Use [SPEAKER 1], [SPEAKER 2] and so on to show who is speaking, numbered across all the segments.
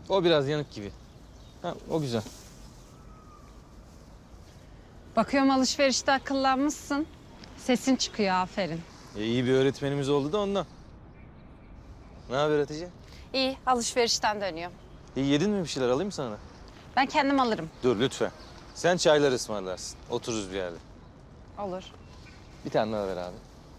[SPEAKER 1] O biraz yanık gibi. Ha, o güzel.
[SPEAKER 2] Bakıyorum alışverişte akıllanmışsın. Sesin çıkıyor, aferin.
[SPEAKER 1] İyi bir öğretmenimiz oldu da ondan. Ne haber Hatice?
[SPEAKER 2] İyi, alışverişten dönüyorum.
[SPEAKER 1] İyi yedin mi bir şeyler alayım mı sana da?
[SPEAKER 2] Ben kendim alırım.
[SPEAKER 1] Dur lütfen. Sen çaylar ısmarlarsın. Otururuz bir yerde.
[SPEAKER 2] Olur.
[SPEAKER 1] Bir tane daha ver abi.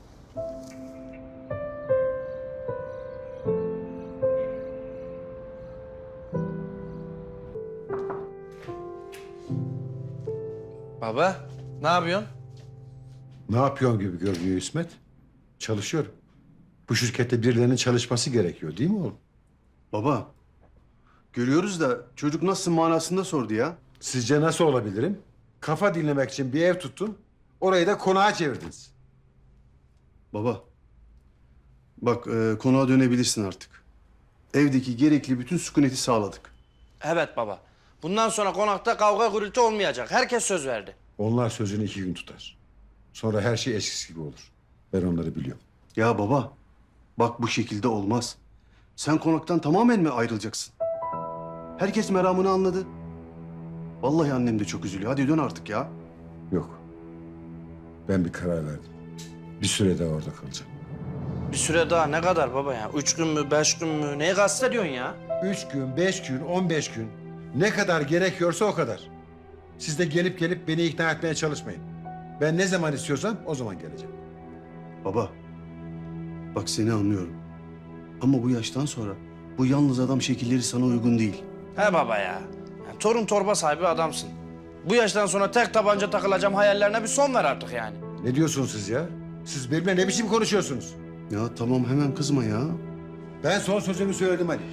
[SPEAKER 3] Baba, ne yapıyorsun?
[SPEAKER 4] Ne yapıyorsun gibi görünüyor İsmet? Çalışıyorum. Bu şirkette birilerinin çalışması gerekiyor değil mi oğlum?
[SPEAKER 5] Baba, görüyoruz da çocuk nasıl manasında sordu ya.
[SPEAKER 4] Sizce nasıl olabilirim? Kafa dinlemek için bir ev tuttun, orayı da konağa çevirdiniz.
[SPEAKER 5] Baba, bak konuğa dönebilirsin artık. Evdeki gerekli bütün sükuneti sağladık.
[SPEAKER 3] Evet baba. Bundan sonra konakta kavga gürültü olmayacak. Herkes söz verdi.
[SPEAKER 4] Onlar sözünü 2 gün tutar. Sonra her şey eskisi gibi olur. Ben onları biliyorum.
[SPEAKER 5] Ya baba, bak bu şekilde olmaz. Sen konaktan tamamen mi ayrılacaksın? Herkes meramını anladı. Vallahi annem de çok üzülüyor. Hadi dön artık ya.
[SPEAKER 4] Yok. Ben bir karar verdim. Bir süre daha orada kalacağım.
[SPEAKER 3] Bir süre daha ne kadar baba ya? 3 gün mü, 5 gün mü? Neyi kastediyorsun ya?
[SPEAKER 4] 3 gün, 5 gün, 15 gün. Ne kadar gerekiyorsa o kadar. Siz de gelip beni ikna etmeye çalışmayın. Ben ne zaman istiyorsam o zaman geleceğim.
[SPEAKER 5] Baba, bak seni anlıyorum. Ama bu yaştan sonra bu yalnız adam şekilleri sana uygun değil.
[SPEAKER 3] He baba ya. Torun torba sahibi adamsın. Bu yaştan sonra tek tabanca takılacağım hayallerine bir son ver artık yani.
[SPEAKER 4] Ne diyorsunuz siz ya? Siz benimle ne biçim konuşuyorsunuz?
[SPEAKER 5] Ya tamam hemen kızma ya.
[SPEAKER 4] Ben son sözümü söyledim Ali.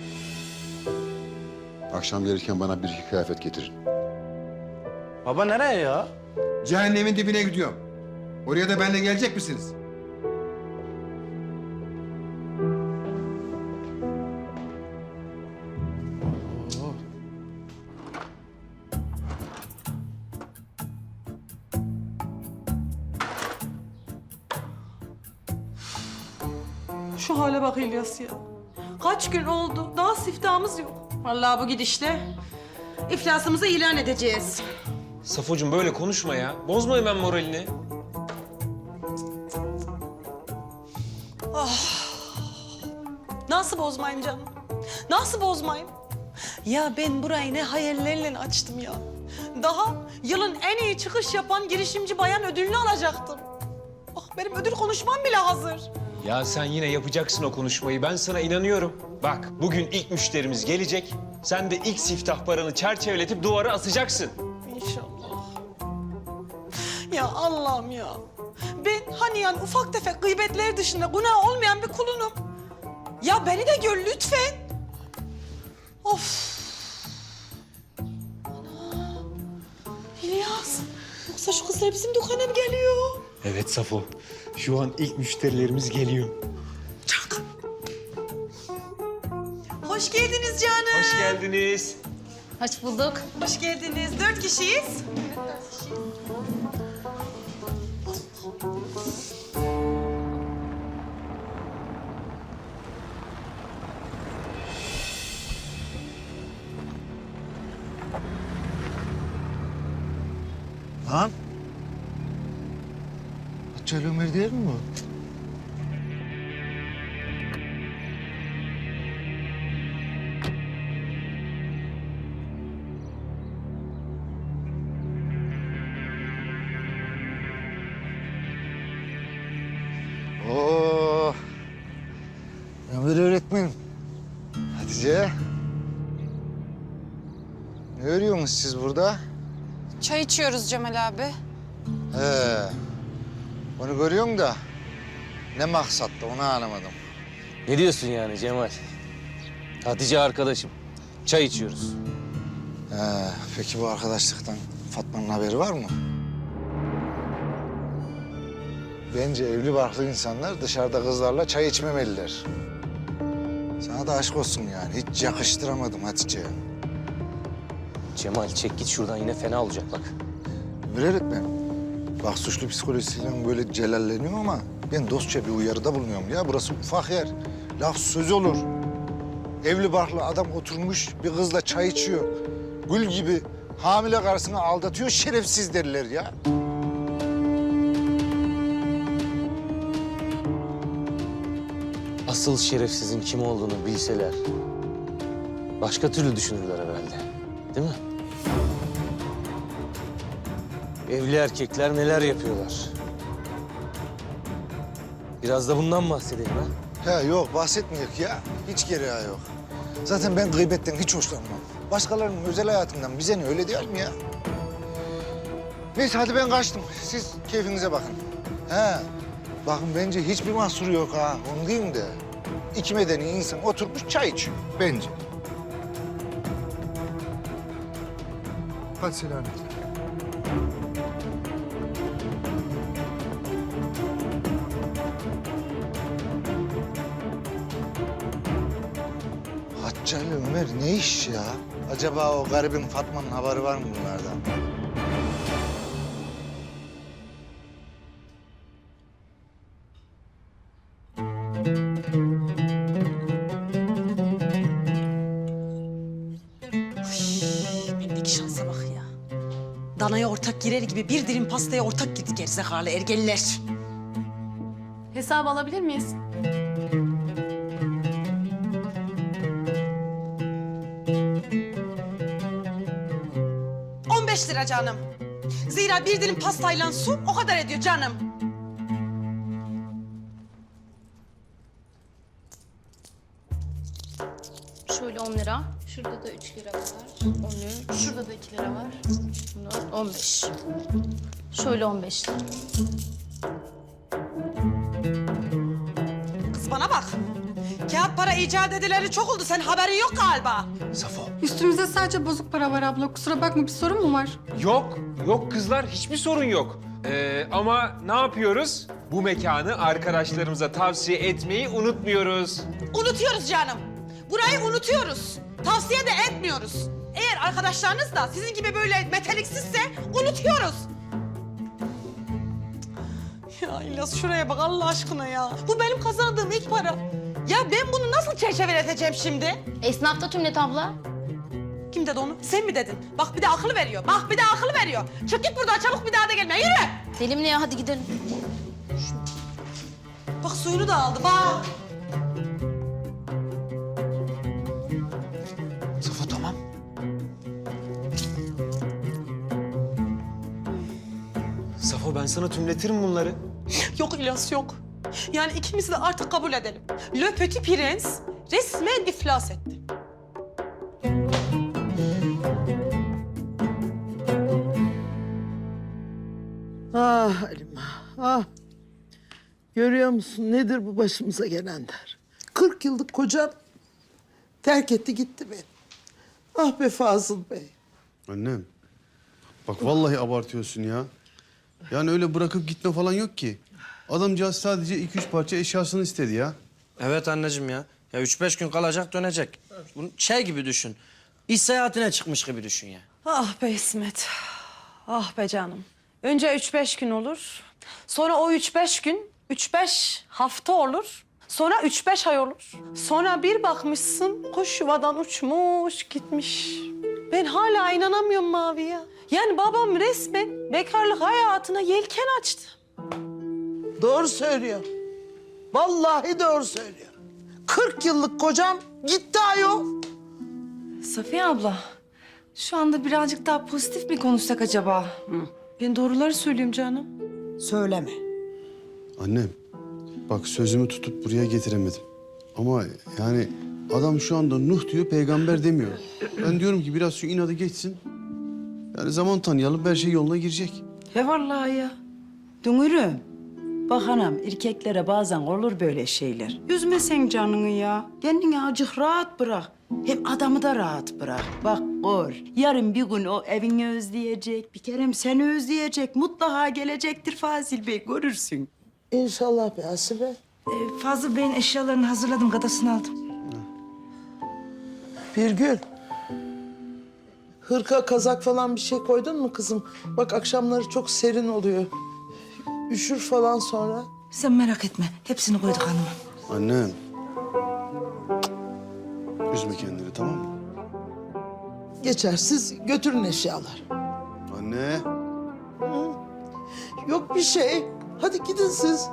[SPEAKER 4] Akşam gelirken bana bir iki kıyafet getirin.
[SPEAKER 3] Baba nereye ya?
[SPEAKER 4] Cehennemin dibine gidiyorum. Oraya da benimle gelecek misiniz?
[SPEAKER 6] Şu hale bak İlyas ya. Kaç gün oldu, daha siftahımız yok. Vallahi bu gidişle iflasımızı ilan edeceğiz.
[SPEAKER 7] Safocuğum böyle konuşma ya. Bozma hemen moralini.
[SPEAKER 6] Nasıl bozmayayım canım? Nasıl bozmayayım? Ya ben burayı ne hayallerle açtım ya. Daha yılın en iyi çıkış yapan girişimci bayan ödülünü alacaktım. Bak benim ödül konuşmam bile hazır.
[SPEAKER 7] Ya sen yine yapacaksın o konuşmayı. Ben sana inanıyorum. Bak bugün ilk müşterimiz gelecek. Sen de ilk siftah paranı çerçeveletip duvara asacaksın.
[SPEAKER 6] İnşallah. Ya Allah'ım ya. Ben hani yani ufak tefek gıybetler dışında günah olmayan bir kulunum. Ya beni de gör lütfen. Of. Ana. İlyas. Yoksa şu kızlar bizim dükkana mı geliyor?
[SPEAKER 7] Evet Safo. Şu an ilk müşterilerimiz geliyor.
[SPEAKER 6] Çak. Hoş geldiniz canım.
[SPEAKER 7] Hoş geldiniz.
[SPEAKER 2] Hoş bulduk.
[SPEAKER 6] Hoş geldiniz. 4 kişiyiz.
[SPEAKER 8] Lan. Hatice Ömer değil mi bu? Oo. Ömer öğretmenim. Hatice. Ne örüyorsunuz siz burada?
[SPEAKER 2] Çay içiyoruz Cemal abi.
[SPEAKER 8] He. Onu görüyorum da ne maksatla onu anlamadım.
[SPEAKER 1] Ne diyorsun yani Cemal? Hatice arkadaşım. Çay içiyoruz.
[SPEAKER 8] He. Peki bu arkadaşlıktan Fatma'nın haberi var mı? Bence evli barklı insanlar dışarıda kızlarla çay içmemeliler. Sana da aşk olsun yani. Hiç yakıştıramadım Hatice'ye.
[SPEAKER 1] Cemal çek git şuradan yine fena olacak bak.
[SPEAKER 8] Ömer öğretmen. Bak suçlu psikolojisiyle böyle celalleniyorum ama ben dostça bir uyarıda bulunuyorum ya. Burası ufak yer. Laf söz olur. Evli barklı adam oturmuş bir kızla çay içiyor. Gül gibi hamile karısını aldatıyor, şerefsiz derler ya.
[SPEAKER 1] Asıl şerefsizin kim olduğunu bilseler başka türlü düşünürler herhalde. Değil mi? Evli erkekler neler yapıyorlar? Biraz da bundan bahsedelim ha.
[SPEAKER 8] He yok bahsetmeyek ya. Hiç gereği yok. Zaten ben gıybetten hiç hoşlanmam. Başkalarının özel hayatından bize ne öyle değil mi ya? Neyse hadi ben kaçtım. Siz keyfinize bakın. He. Bakın bence hiçbir mahsuru yok ha. Onu diyeyim de. İki medeni insan oturmuş çay içiyor. Bence. Hadi selamet. Hacca ile Ömer ne iş ya? Acaba o garibin Fatma'nın haberi var mı bunlardan?
[SPEAKER 6] Bendeki şansa bak ya. Danaya ortak girer gibi bir dilim pastaya ortak girdi gerizekalı ergeliler.
[SPEAKER 2] Hesabı alabilir miyiz?
[SPEAKER 6] ...15 lira canım. Zira bir dilim pastayla su o kadar ediyor canım.
[SPEAKER 9] Şöyle 10 lira. Şurada da 3 lira var. 13. Şurada da 2 lira var. Bunlar 15. Şöyle 15 lira.
[SPEAKER 6] Kız bana bak. Kağıt para icat edileri çok oldu. Sen haberin yok galiba.
[SPEAKER 2] Üstümüzde sadece bozuk para var abla. Kusura bakma, bir sorun mu var?
[SPEAKER 7] Yok, yok kızlar hiçbir sorun yok. Ama ne yapıyoruz? Bu mekanı arkadaşlarımıza tavsiye etmeyi unutmuyoruz.
[SPEAKER 6] Unutuyoruz canım. Burayı unutuyoruz. Tavsiye de etmiyoruz. Eğer arkadaşlarınız da sizin gibi böyle meteliksizse unutuyoruz. Ya İlyas şuraya bak Allah aşkına ya. Bu benim kazandığım ilk para. Ya ben bunu nasıl çerçeveleteceğim şimdi?
[SPEAKER 9] Esnafta Tümlet abla.
[SPEAKER 6] Kim dedi onu? Sen mi dedin? Bak bir de akıl veriyor. Bak bir de akıl veriyor. Çık git buradan çabuk bir daha da gelme. Yürü.
[SPEAKER 9] Deli mi ne ya? Hadi gidelim.
[SPEAKER 6] Bak suyunu da aldı bak.
[SPEAKER 7] Safo tamam. Safo ben sana tümletirim bunları.
[SPEAKER 6] Yok İlyas yok. Yani ikimizi de artık kabul edelim. Le Petit Prens resmen iflas etti.
[SPEAKER 10] Ah Halime, ah. Görüyor musun nedir bu başımıza gelenler? 40 yıllık kocam terk etti gitti beni. Ah be Fazıl Bey.
[SPEAKER 5] Annem, bak vallahi abartıyorsun ya. Yani öyle bırakıp gitme falan yok ki. Adamcağız sadece 2-3 parça eşyasını istedi ya.
[SPEAKER 3] Evet anneciğim ya. Ya 3-5 gün kalacak dönecek. Bunu şey gibi düşün. İş seyahatine çıkmış gibi düşün ya.
[SPEAKER 6] Ah be İsmet. Ah be canım. Önce 3-5 gün olur. Sonra o 3-5 gün 3-5 hafta olur. Sonra 3-5 ay olur. Sonra bir bakmışsın kuş yuvadan uçmuş gitmiş. Ben hala inanamıyorum Mavi'ye. Yani babam resmen bekarlık hayatına yelken açtı.
[SPEAKER 10] Doğru söylüyor. Vallahi doğru söylüyor. 40 yıllık kocam gitti ayol.
[SPEAKER 2] Safiye abla, şu anda birazcık daha pozitif mi konuşsak acaba?
[SPEAKER 6] Ben doğruları söyleyeyim canım.
[SPEAKER 10] Söyleme.
[SPEAKER 5] Annem, bak sözümü tutup buraya getiremedim. Ama yani adam şu anda Nuh diyor, peygamber demiyor. Ben diyorum ki biraz şu inadı geçsin. Yani zaman tanıyalım, her şey yoluna girecek.
[SPEAKER 11] He vallahi ya. Dünürüm. Bak anam, erkeklere bazen olur böyle şeyler. Üzme sen canını ya. Kendini azıcık rahat bırak. Hem adamı da rahat bırak. Bak gör, yarın bir gün o evini özleyecek. Bir kerem seni özleyecek. Mutlaka gelecektir Fazıl Bey, görürsün.
[SPEAKER 10] İnşallah be Asibe.
[SPEAKER 11] Fazıl Bey'in eşyalarını hazırladım, gadasını aldım.
[SPEAKER 10] Birgül. Hırka, kazak falan bir şey koydun mu kızım? Bak akşamları çok serin oluyor. Üşür falan sonra.
[SPEAKER 11] Sen merak etme, hepsini koyduk hanımım.
[SPEAKER 5] Annem. Üzme kendini, tamam mı?
[SPEAKER 10] Geçer, siz götürün eşyalar.
[SPEAKER 5] Anne.
[SPEAKER 10] Yok bir şey. Hadi gidin siz.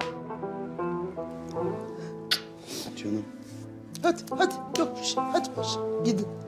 [SPEAKER 5] Canım.
[SPEAKER 10] Hadi, hadi. Yok bir şey. Hadi paşa, gidin.